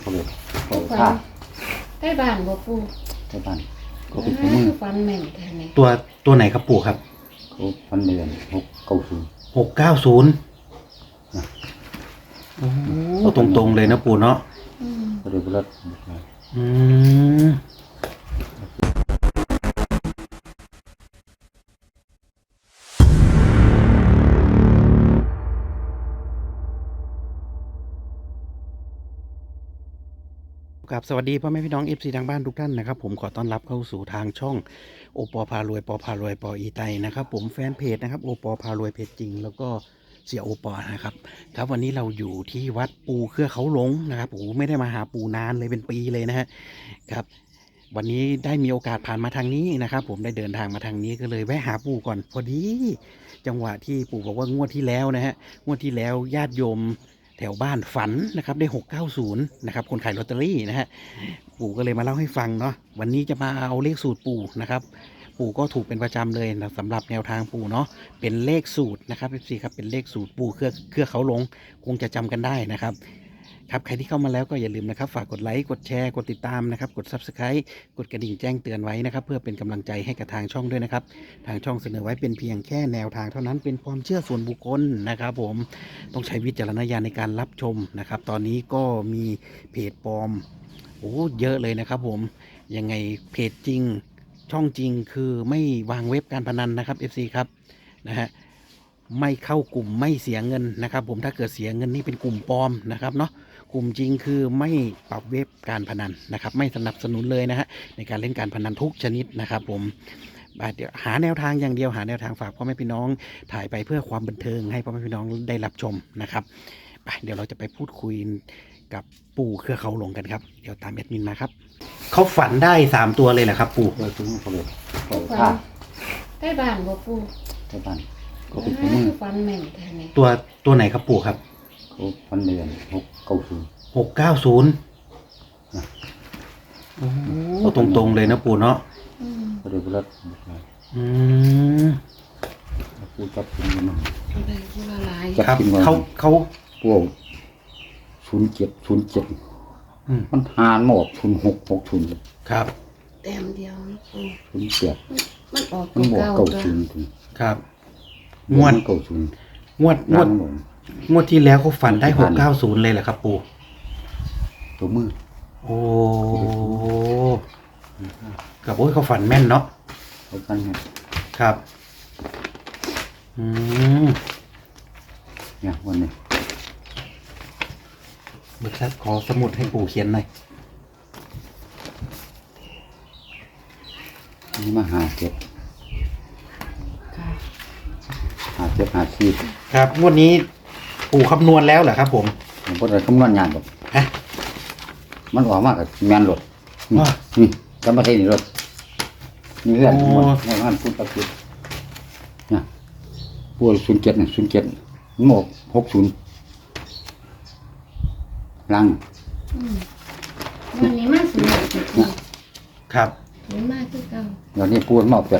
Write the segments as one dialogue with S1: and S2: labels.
S1: เขาเลยเขา
S2: ฝั
S1: ฆ่าน
S2: ใกล้บ้านบ่ปู่
S1: ใช่บ้านเขาเป็นของมือ
S2: ฝันแม่นแท้นี่
S3: ตัวไหนครับปู่ครับ
S1: เขาพันเดือน690
S3: 690โอ้ตรงๆเลยนะปู่เนาะ
S1: เขาเลยรัด
S3: อืมครับสวัสดีพ่อแม่พี่น้อง FC ทางบ้านทุกท่านนะครับผมขอต้อนรับเข้าสู่ทางช่องโอปอพารวยปอพารวยปออีไตนะครับผมแฟนเพจนะครับโอปอพารวยเพจจริงแล้วก็เสียโอปอนะครับครับวันนี้เราอยู่ที่วัดปูเครือเขาหลงนะครับโอ้ไม่ได้มาหาปูนานเลยเป็นปีเลยนะฮะครับวันนี้ได้มีโอกาสผ่านมาทางนี้นะครับผมได้เดินทางมาทางนี้ก็เลยแวะหาปู่ก่อนพอดีจังหวะที่ปู่บอกว่างวดที่แล้วนะฮะงวดที่แล้วญาติโยมแถวบ้านฝันนะครับได้690นะครับคนขายลอตเตอรี่นะฮะปู่ก็เลยมาเล่าให้ฟังเนาะวันนี้จะมาเอาเลขสูตรปู่นะครับปู่ก็ถูกเป็นประจำเลยนะสำหรับแนวทางปู่เนาะเป็นเลขสูตรนะครับพี่ครับเป็นเลขสูตรปู่เครือเขาหลงคงจะจำกันได้นะครับครับใครที่เข้ามาแล้วก็อย่าลืมนะครับฝากกดไลค์กดแชร์กดติดตามนะครับกด Subscribe กดกระดิ่งแจ้งเตือนไว้นะครับเพื่อเป็นกำลังใจให้กับทางช่องด้วยนะครับทางช่องเสนอไว้เป็นเพียงแค่แนวทางเท่านั้นเป็นความเชื่อส่วนบุคคลนะครับผมต้องใช้วิจารณญาณในการรับชมนะครับตอนนี้ก็มีเพจปลอมโอ้เยอะเลยนะครับผมยังไงเพจจริงช่องจริงคือไม่วางเว็บการพนันนะครับ FC ครับนะฮะไม่เข้ากลุ่มไม่เสียเงินนะครับผมถ้าเกิดเสียเงินนี่เป็นกลุ่มปลอมนะครับเนาะกลุ่มจริงคือไม่ปรับเว็บการพนันนะครับไม่สนับสนุนเลยนะฮะในการเล่นการพนันทุกชนิดนะครับผมเดี๋ยวหาแนวทางอย่างเดียวหาแนวทางฝากพ่อแม่พี่น้องถ่ายไปเพื่อความบันเทิงให้พ่อแม่พี่น้องได้รับชมนะครับเดี๋ยวเราจะไปพูดคุยกับปู่เครือเขาหลงกันครับเดี๋ยวตามแอดมินมาครับเขาฝันได้3ตัวเลยเหรอครับปู่
S1: เขาถึงเขาเลยเขา
S2: ฝั
S1: ฆ่าน
S2: ใกล้บ้านบ่ปู่
S1: ใช่บ้านเขาเป็นของมือ
S2: ฝันแม่นแท้นี่
S3: ตัวไหนครับปู่ครับ
S1: เขาพันเดือน690
S3: 690โอ้ตรงๆเลยนะปู่เนาะ
S1: เขาเลยรัด
S3: อืม
S1: ผู้จับกินมัน
S2: อะไรที่ว่าหลาย
S3: ครับเขา
S1: พวก07มันหานหมด0660
S3: ครับ
S2: แต้มเดียวนะปู่
S1: 07
S2: มันออก
S1: มันหมด
S2: เก่าๆ
S1: 90ถึง
S3: ครับ
S1: งวด90
S3: งวดที่แล้วเขาฝันได้690เลยเหรอครับปู่
S1: ตัวมือ
S3: โอ้กับโอ้ยเขาฝันแม่นเนาะ
S1: เขากันเนี่ย
S3: ครับอืม
S1: เนี่ยวันนี้
S3: เบิกทรัพย์ขอสมุดให้ปู่เขียนหน่อย
S1: นี่มา57
S2: ค่ะ
S1: 54
S3: ครับงวดนี้ปู่คำนวณแล้วเหรอครับผม
S1: ผมก็เลยคำนวณงานแบบ
S3: ฮะ
S1: มันออกมากกับแมนรถนี่
S3: ว้า
S1: นี่จำมาใช่นี่รถนี่เรื่องหมดในบ้านพูดตะกุดเนี่ยพูด07เนี่ย07มันหมด60ลัง
S2: วันนี้มาสูงสุดปู่
S3: ครับ
S2: สูงมากคือเก่า
S1: เดี๋ยวนี้พูดมา80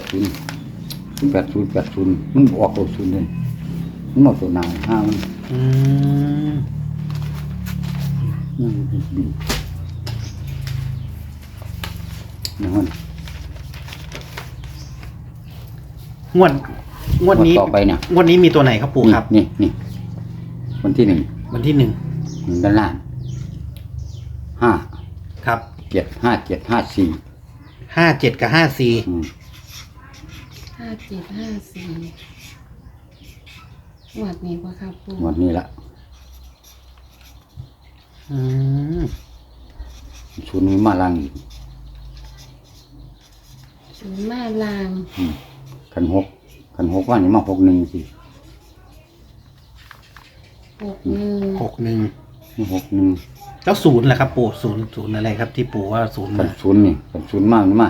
S1: มันออก60เลยมันหมดตัวหนาห้ามัน
S3: อืม
S1: นี่มัน
S3: งวดนี้
S1: ต่อไปเนี่ย
S3: งวดนี้มีตัวไหนครับปู่ครับ
S1: นี่วันที่
S3: วันที่1
S1: 1ด้านล่าง5
S3: ครับ
S1: 7 5 7 5 4
S3: 57กับ54
S2: 5754หวัดนี้บ่ครับปู่
S1: วันนี้ละ
S3: อืม
S1: ชุดนี้มาลังอีก
S2: ศูนย์มาลาง
S1: ขันหกว่านี่มา61สิ
S2: 61
S1: นี่61
S3: แล้วศูนย์ล่ะครับปู่ศูนย์อะไรครับที่ปู่ว่าศูนย์
S1: ขั
S3: มาน
S1: ศูนย์นี่ขันศูนย์มากนี่มา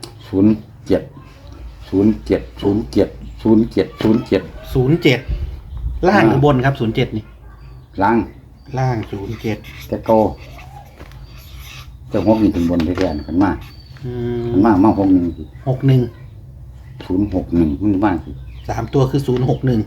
S1: 07
S3: 07ล่างหรือบนครับ07นี่
S1: ล้าง
S3: ล่าง07
S1: แต่โตจะหกนี่ถึงบนแท้ๆขันมา
S3: อืม
S1: ขันมา61สิ
S3: 61
S1: 061มันมาสิ
S3: 3ตัวคือ061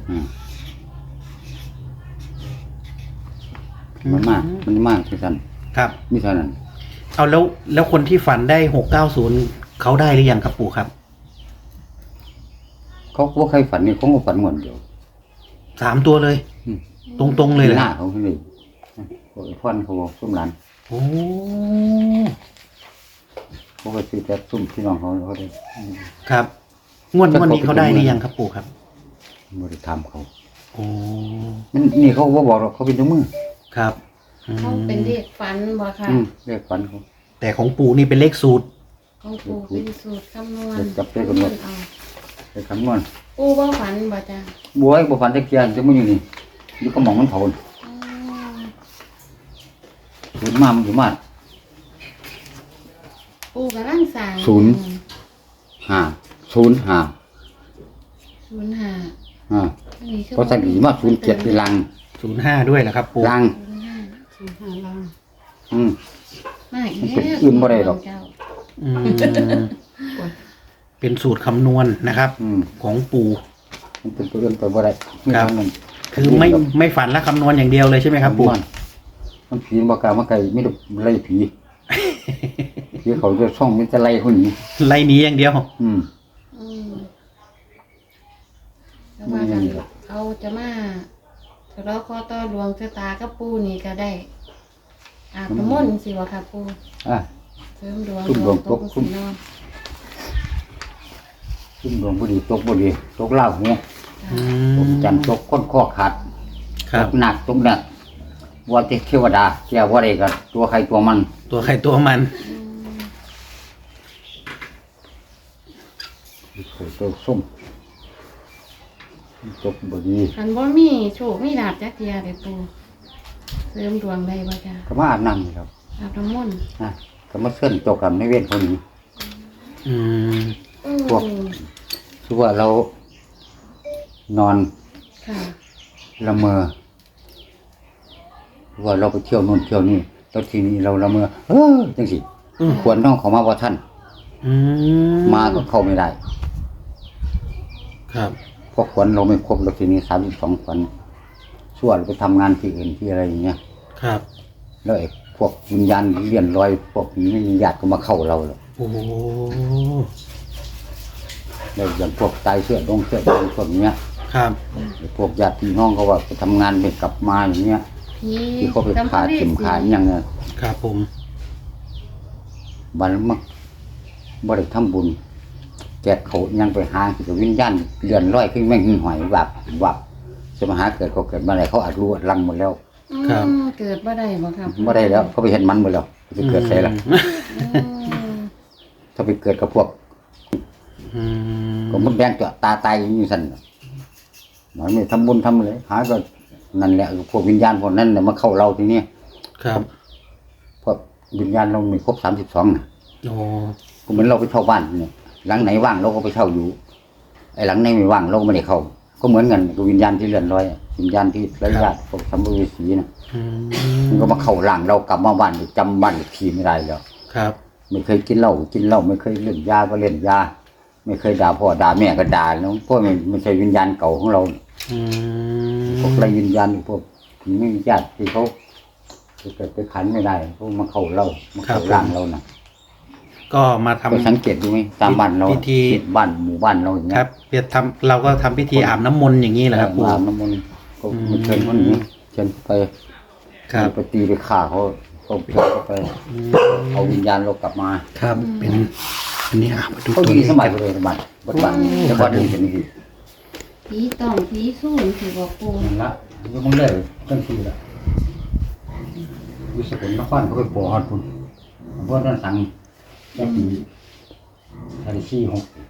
S1: มันมาคือกัน
S3: ครับ
S1: มีเท่านั้น
S3: เอาแล้วคนที่ฝันได้690เขาได้หรือยังครับปู่ครับ
S1: เขาบ่เคยฝันนี่เขาก็ฝันหมดเดียว
S3: 3 ตัวเลย
S1: อืม
S3: ตรงๆเลยเหรอ
S1: หน้าเขาเลยเขาไอ้พ่อนเขาบอกซุ่มหลาน
S3: โอ้
S1: เขาก็ซื้อแต่ซุ่มพี่น้องเขาได้
S3: ครับงวดนี้เขาได้หรือยังครับปู่ครับ
S1: บ่ได้ทำเขา
S3: โอ้
S1: มันนี่เขาบ่บอกหรอกเขาเป็นเจ้ามือ
S3: ครับอืม
S2: เขาเป็นเด็กฝันบ่ค่ะ
S1: เรียกฝันเขา
S3: แต่ของปู่นี่เป็นเลขสูตร
S2: ของปู่เป็นสูตรคำนวณ
S1: เด็กจับได้กำหนด
S2: เอา
S1: ไปคำนวณ
S2: ปู่บ่ฝันบ่จ้ะ
S1: บัวไอ้บ่ฝันตะเกียนจะมาอยู่นี่อยู่ก็มองมันเผา
S2: อ๋อ
S1: ศูนย์มามันอยู่มา
S2: ปู่กำลังสร้าง
S1: ศูนย์ ห้าศูนย์ห้า
S2: 05
S1: อ่า
S2: อันนี้คือ
S1: เพราะสักดีมาศูนย์เจ็ดที่ลัง
S3: 05ด้วยนะครับปู่
S1: ลัง
S2: 05ลัง
S1: อืม
S2: มาอีก
S1: มันเป็นอื่นบ่ได้หรอก
S2: เจ้า
S3: อืมเป็นสูตรคำนวณนะครับ ของปู่
S1: มันเป็นตัวเรื่องตัวบ่ได้ไม่
S3: ครับ
S1: ทำมัน
S3: คือไม่ฝันและคำนวณอย่างเดียวเลยใช่ไหมครับปู่
S1: มันผีบ่กล้ามาไกลไม่ได้ไล่ผีผีเขาจะช่องมันจะไล่คนนี้
S3: ไล่หนี้อย่างเดียว
S2: อืมแล้วว่ากันเขาจะมาเราขอต่อหลวงชะตากับปู่นี่ก็ได้อาบน้ำมนต์สิวะค่ะปู่
S1: อ่ะ
S2: เสริมดวง
S1: ซุ่มดวงตก
S2: สินอน
S1: ซึ่งดวงบ่ดีตกบ่ดีตกลาหู
S3: อื
S1: ผม
S3: ม
S1: จันทร์ตกค้นข้อขาด
S3: ครับ
S1: ตกหนักตกหนักว่าแต่เทวดาแก้ว่าได้ก็ตัวใครตัวมัน
S3: ตัวใครตัวมัน
S1: ตัวส้มตกบ่ดี
S2: คันบ่มีโชคมีลาภจักเทียเด้อปู่เสริมดวงได้บ่จ้ะ
S1: ก็มาอาบน้ำนี่ครับ
S2: อาบน้ำมนต์
S1: อ่ะก็มาเส้นตกกับในเวรคนนี้
S3: อืม
S1: พวก คือว่าเรานอน
S2: ค่ะ
S1: ละเมอหรือว่าเราไปเที่ยวนู่นเที่ยวนี่แล้วทีนี้เราละเมอจังสิควรน้องเขามาว่าท่าน
S3: อื
S1: มาก็เข้าไม่ได้
S3: ครับ
S1: เพราะขวัญเราไม่ครบแล้วทีนี้32ขวัญส่วนไปทำงานที่อื่นที่อะไรอย่างเงี้ย
S3: ครับ
S1: แล้วไอ้พวกวิญญาณเลี่ยนลอยพวกนี้ไม่มีญาติก็มาเข้าเราแล้ว
S3: โอ้โห
S1: แล้วอย่างพวกตายเสื้อดงเสื้อแดงพวกเนี้ย
S3: ครับ
S1: ไอ้พวกญาติพี่น้องเขาว่าไปทำงานไม่กลับมาอย่างเงี้ย
S2: ผี
S1: ที่เขาไปขาเข็มขาอย่างเงี้ย
S3: ครับผม
S1: บันมักบ่ได้ทำบุญแจกเขายังไปหาที่กับวิญญาณเลื่อนลอยขึ้นแม่งหิ้งหอยวับจะมาหาเกิดเขาเกิดมาไหนเขาอาจรู้ลังหมดแล้ว
S2: เกิดบ่ได้บ่ครับ
S1: บ่ได้แล้วเขาไปเห็นมันหมดแล้วจะเกิดใส่ละ ถ้าไปเกิดกับพวก
S3: อืม
S1: ก็มันแดงตัวตาตายอยู่สั่นมันไม่ทำบุญทำเลยหาก็นั่นแหละพวกวิญญาณพวกนั้นเนี่ยมาเข้าเราทีนี้
S3: ครับ
S1: พวกวิญญาณเราไม่ครบ32นะ
S3: โอ้
S1: ก็เหมือนเราไปเช่าบ้านเนี่ยหลังไหนว่างเราก็ไปเช่าอยู่ไอ้หลังไหนไม่ว่างเราก็ไม่ได้เข้า ก็เหมือนกันกับวิญญาณที่เลื่อนลอยวิญญาณที่ไร้ญาติพวกสัมภเวสีนะ
S3: อื
S1: มันก็มาเข้าร่างเรากลับมาบ้านจำบ้านทีไม่ได้แล้ว
S3: ครับ
S1: ไม่เคยกินเหล้าไม่เคยเล่นยาก็เล่นยาไม่เคยด่าพ่อด่าแม่ก็ด่าแล้วพวกไม่ใช่วิญญาณเก่าของเรา
S3: อืม
S1: พวกไรวิญญาณพวกที่ไม่มีญาติที่เขาเกิดไปขันไม่ได้พวกมาเข้าเรามาเข้าร่างเรานะ
S3: ก็มาทำ
S1: ก็สังเกตดูไหมตามบ้านเรา
S3: พิธี
S1: บ้านหมู่บ้านเราอย่าง
S3: ค
S1: เงี้
S3: รั
S1: ย
S3: บเพียรทำเราก็ทำพิธีอาบน้ำมนต์อย่างนี้แหละครับปู่
S1: อาบน้ำมนต์ก็มาเชิญคนนี้เชิญไป
S3: ครับ
S1: ไปตีไปฆ่าเขาเชิญเขาไปเอาวิญญาณเรากลับมา
S3: ครับเป็นอันนี้มาดู
S1: เขา
S3: ตัว
S1: ดี
S3: นี้
S1: สมัยเลยบ้านบ้านแต่บ้านอื่นเป็นอย่างนี้
S2: ผีต้องผีสู้สิบ่ปู่
S1: นั่นละยกมันเลยตั้งทีละวิสกุลนครเขาไปปอฮอดคุณเพราะนั่นสั่งได้ปี36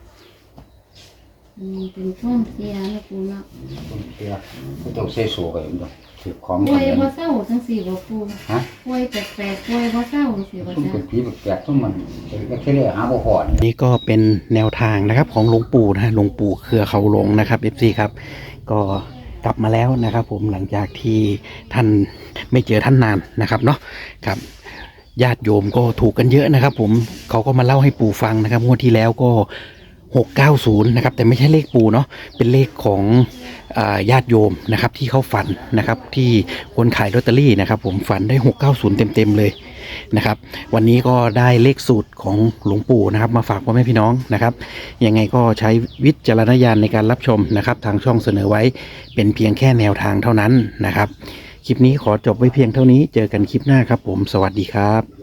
S2: เป็นช่วงเสียนะปู่เนาะ
S1: คนเสียเขาต้องเซโซกันอยู่ถือของ
S2: ป่วย
S1: เงิน
S2: บ่เศร้าจังซี่บ่ปู่
S1: ฮะ
S2: ป่วยแปลกๆป่วยบ่เศร้าจังซี่บ่
S1: ซุ่ม
S2: จ้ะ
S1: เป็นผีแปลกๆซุ่มมันแค่เรียกหาบ่พอนี่
S3: นี่ก็เป็นแนวทางนะครับของหลวงปู่นะฮะหลวงปู่เครือเขาหลงนะครับ FC ครับก็กลับมาแล้วนะครับผมหลังจากที่ท่านไม่เจอท่านนานนะครับเนาะครับญาติโยมก็ถูกกันเยอะนะครับผมเขาก็มาเล่าให้ปู่ฟังนะครับงวดที่แล้วก็690นะครับแต่ไม่ใช่เลขปู่เนาะเป็นเลขของญาติโยมนะครับที่เขาฝันนะครับที่คนขายลอตเตอรี่นะครับผมฝันได้690เต็มๆเลยนะครับวันนี้ก็ได้เลขสูตรของหลวงปู่นะครับมาฝากพ่อแม่พี่น้องนะครับยังไงก็ใช้วิจารณญาณในการรับชมนะครับทางช่องเสนอไว้เป็นเพียงแค่แนวทางเท่านั้นนะครับคลิปนี้ขอจบไว้เพียงเท่านี้เจอกันคลิปหน้าครับผมสวัสดีครับ